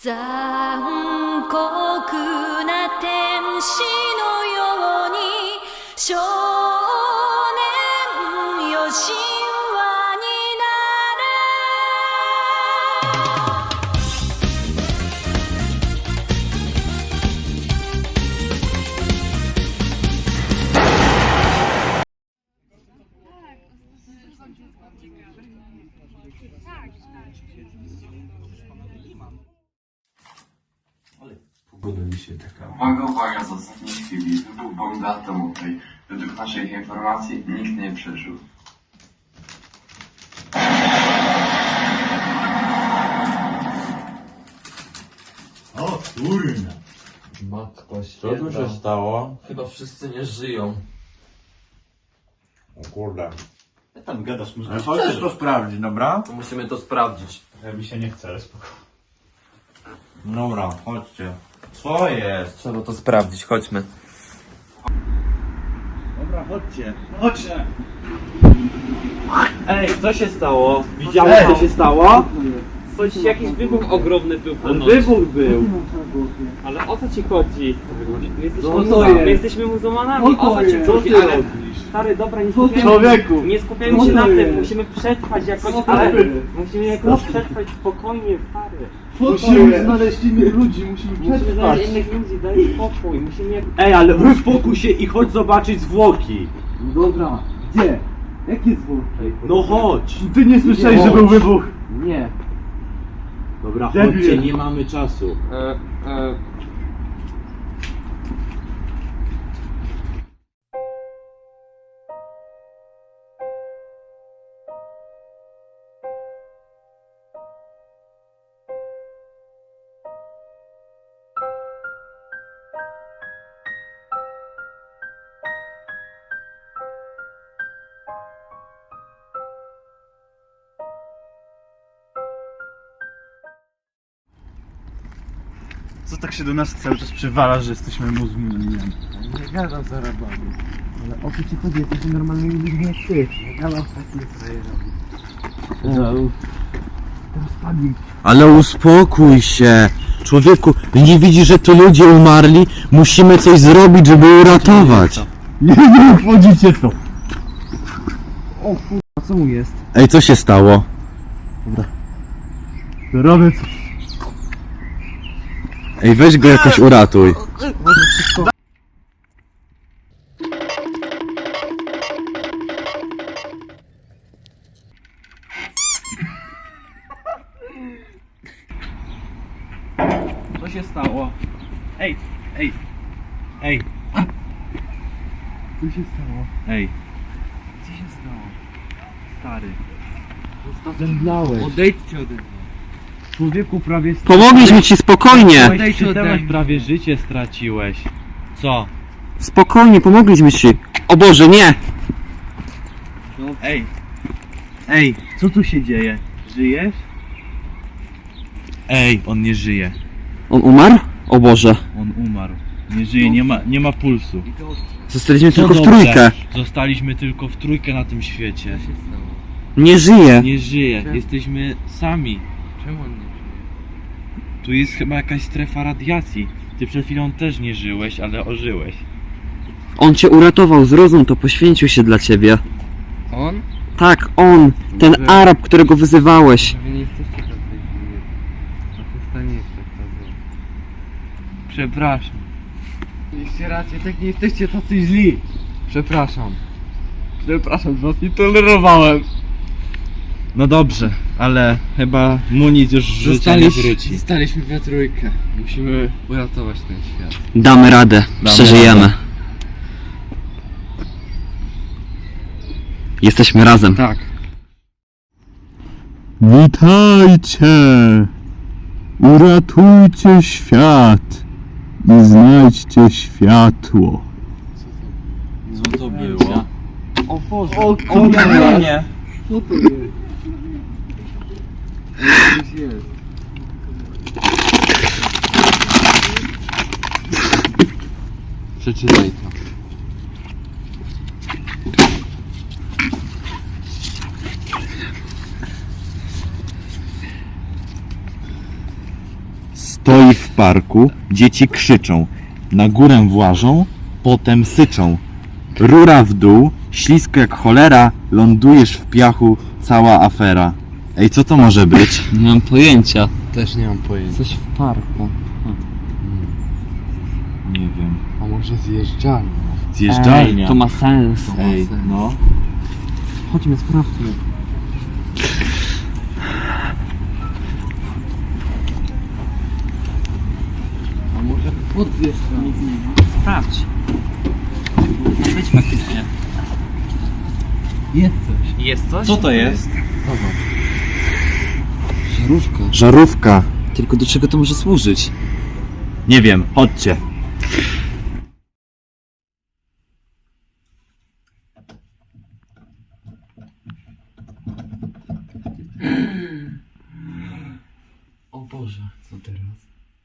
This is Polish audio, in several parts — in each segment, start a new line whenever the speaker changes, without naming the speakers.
残酷な天使のように少年よ神話にな
Pogoda dzisiaj taka.
Uwaga, z ostatniej chwili. Wybuch bomby atomowej. Według naszych informacji nikt nie przeżył.
O kurna!
Matko
Co tu się stało?
Chyba wszyscy nie żyją.
O kurde.
Jak pan gadasz, może...
Chodźcie to sprawdzić, dobra?
To musimy to sprawdzić.
Mi się nie chce, ale spoko.
Dobra, chodźcie. Co jest?
Trzeba to sprawdzić, chodźmy.
Dobra, chodźcie.
Chodźcie!
Ej, co się stało? Widziałeś co się stało? Coś, jakiś wybuch ogromny był ponoć. Wybuch był. Ale o co ci chodzi? My jesteśmy muzułmanami, o co ci chodzi? Ale stary, dobra, nie skupiajmy się na tym, musimy przetrwać jakoś, ale musimy jakoś przetrwać spokojnie, stary.
Musimy znaleźć innych ludzi, musimy
Musimy
przetrwać.
znaleźć innych ludzi, daj spokój, musimy jak...
Ej, ale uspokój się i chodź zobaczyć zwłoki. No dobra, gdzie? Jakie zwłoki? No chodź. Ty nie słyszałeś, że był wybuch? Nie. Dobra, chodźcie, nie mamy czasu.
Co tak się do nas cały czas przywala, że jesteśmy muzułmanami?
Nie gadam za rabami. Ale o co ci chodzi? Jesteśmy normalnymi ludźmi jak ty. Nie gadam z takimi frajerami. Rozpadli.
Ale uspokój się. Człowieku, nie widzisz, że to ludzie umarli? Musimy coś zrobić, żeby uratować.
Nie obchodzicie to. O kurwa, co mu jest?
Ej, co się stało?
Robię coś.
Ej, weź go jakoś uratuj.
Co się stało? Ej.
Co się stało?
Ej.
Co się stało?
Stary.
Zemdlałeś.
Odejdźcie ode mnie.
Człowieku prawie...
Pomogliśmy ci spokojnie.
Odejdźcie ode mnie. Prawie życie straciłeś. Co?
Spokojnie, pomogliśmy ci. O Boże, nie!
Ej, co tu się dzieje? Żyjesz? Ej, on nie żyje.
On umarł? O Boże.
On umarł. Nie żyje, nie ma pulsu.
Zostaliśmy
To
tylko w
dobrze.
trójkę.
Zostaliśmy tylko w trójkę na tym świecie.
Nie żyje.
Nie żyje, jesteśmy sami. Czemu on nie żyje? Tu jest chyba jakaś strefa radiacji. Ty przed chwilą też nie żyłeś, ale ożyłeś.
On cię uratował, zrozum to, poświęcił się dla ciebie.
On?
Tak, on. Ten Arab, którego wyzywałeś.
Wy nie jesteście tacy źli. A przestaniecie tak. Przepraszam. Mieliście rację, tak nie jesteście tacy źli. Przepraszam. Przepraszam, że was nie tolerowałem.
No dobrze, ale chyba mu nic już życia nie wróci.
Zostaliśmy we trójkę. Musimy uratować ten świat.
Damy radę, przeżyjemy.
radę.
Jesteśmy razem.
Tak.
Witajcie! Uratujcie świat i znajdźcie światło.
Co to było?
O Boże.
O
Nie.
Co to jest?
Coś jest. Przeczytaj to.
Stoi w parku, dzieci krzyczą. Na górę włażą, potem syczą. Rura w dół, ślisko jak cholera, lądujesz w piachu, cała afera. Ej, co to może być?
Nie mam pojęcia.
Też nie mam pojęcia.
Coś w parku.
Nie wiem.
A może zjeżdżalnia?
Zjeżdżalnia.
To ma sens.
Ej, no.
Chodźmy, sprawdźmy.
A może podwieźć
Nic nie ma. Sprawdź. Może być faktycznie.
Jest coś.
Jest coś?
Co to jest?
Żarówka.
Żarówka.
Tylko do czego to może służyć?
Nie wiem, chodźcie.
O Boże, co teraz?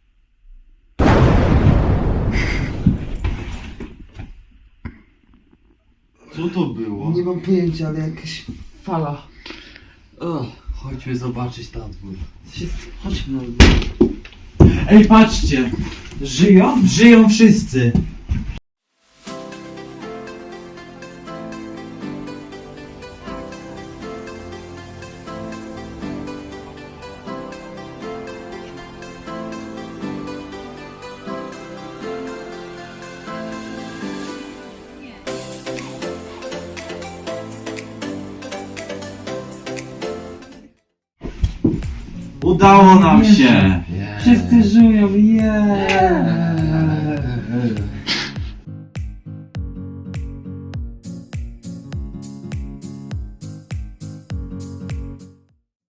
Co to było?
Nie mam pojęcia, ale jakaś fala. Chodźmy zobaczyć na dwór.
Chodźmy na
Ej, patrzcie! Żyją? Żyją wszyscy! Udało nam się!
Wszyscy żyją,